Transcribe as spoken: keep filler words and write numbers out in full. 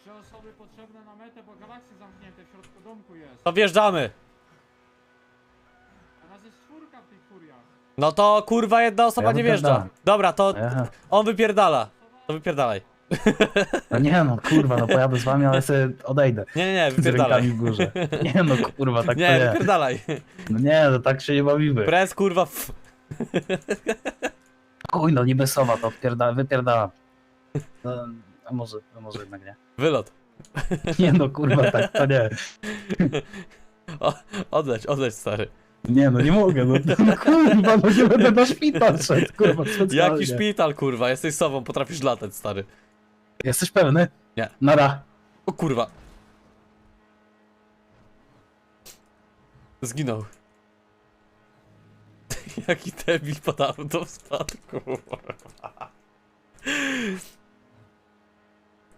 Trzy osoby potrzebne na metę, bo galaksy zamknięte w środku domku jest. To wjeżdżamy. A nas jest czwórka w tych furiach. No to kurwa jedna osoba Ja nie wjeżdża. wypierdalam. Dobra, to Aha. on wypierdala. To wypierdalaj. No nie no, kurwa, no pojadę z wami, ale sobie odejdę. Nie, nie, nie, Z rękami wypierdalaj. w górze. Nie no, kurwa, tak to Nie, nie. wypierdalaj. No nie, no tak się nie bawimy. Press kurwa f... Chuj, no niby sowa, to wpierda, wypierdalam. No, a może, a może jednak nie. Wylot. Nie no, kurwa, tak to nie. O, odleć, odleć stary. Nie no, nie mogę, no, no kurwa, no nie będę na szpital szedł, kurwa, specjalnie. Jaki szpital kurwa, jesteś sobą, potrafisz latać stary. Jesteś pewny? Nie. Nara. O kurwa. Zginął. Jaki debil pod auto w spadku.